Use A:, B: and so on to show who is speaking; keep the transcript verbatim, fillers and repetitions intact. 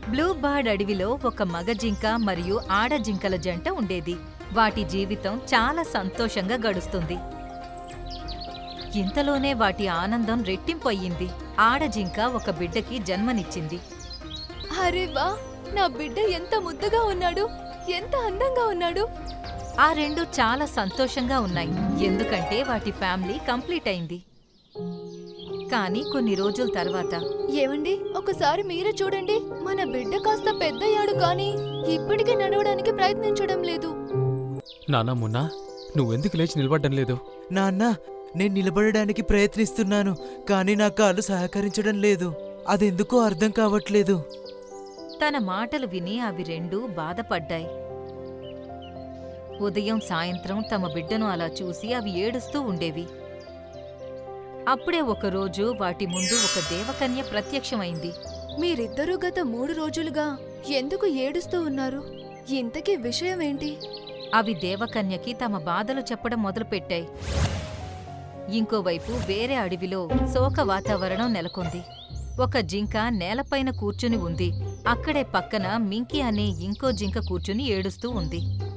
A: Blue bird అడవిలో ఒక మగ జింక మరియు ఆడ జింకల జంట ఉండేది. వాటి జీవితం చాలా సంతోషంగా గడుస్తుంది. ఇంతలోనే వాటి ఆనందం రెట్టింపయ్యింది. ఆడ జింక ఒక బిడ్డకి జన్మనిచ్చింది.
B: అరే వా, నా బిడ్డ ఎంత ముద్దగా ఉన్నాడు, ఎంత అందంగా ఉన్నాడు.
A: ఆ రెండు చాలా సంతోషంగా ఉన్నాయి, ఎందుకంటే వాటి ఫ్యామిలీ కంప్లీట్ అయింది. కానీ కొన్ని రోజుల తర్వాత
B: ఏమండి, ఒకసారి మీరే చూడండి, మన బిడ్డ కాస్త పెద్దయ్యాడు కానీ ఇప్పటికీ నడవడానికి ప్రయత్నించడం లేదు.
C: నానా మున్నా, నువ్వెందుకు లేచి నిలబడ్డం లేదు?
D: నాన్న, నేను నిలబడడానికి ప్రయత్నిస్తున్నాను, కానీ నా కాళ్ళు సహకరించడం లేదు. అదెందుకో అర్థం కావట్లేదు.
A: తన మాటలు విని అవి రెండూ బాధపడ్డాయి. ఉదయం సాయంత్రం తమ బిడ్డను అలా చూసి అవి ఏడుస్తూ ఉండేవి. అప్పుడే ఒకరోజు వాటి ముందు ఒక దేవకన్య ప్రత్యక్షమైంది.
B: మీరిద్దరూ గత మూడు రోజులుగా ఎందుకు ఏడుస్తూ ఉన్నారు? ఇంతకీ విషయమేంటి?
A: అవి దేవకన్యకి తమ బాధలు చెప్పడం మొదలుపెట్టాయి. ఇంకోవైపు వేరే అడవిలో శోక వాతావరణం నెలకొంది. ఒక జింక నేలపైన కూర్చుని ఉంది. అక్కడే పక్కన మింకీ అనే ఇంకో జింక కూర్చుని ఏడుస్తూ ఉంది.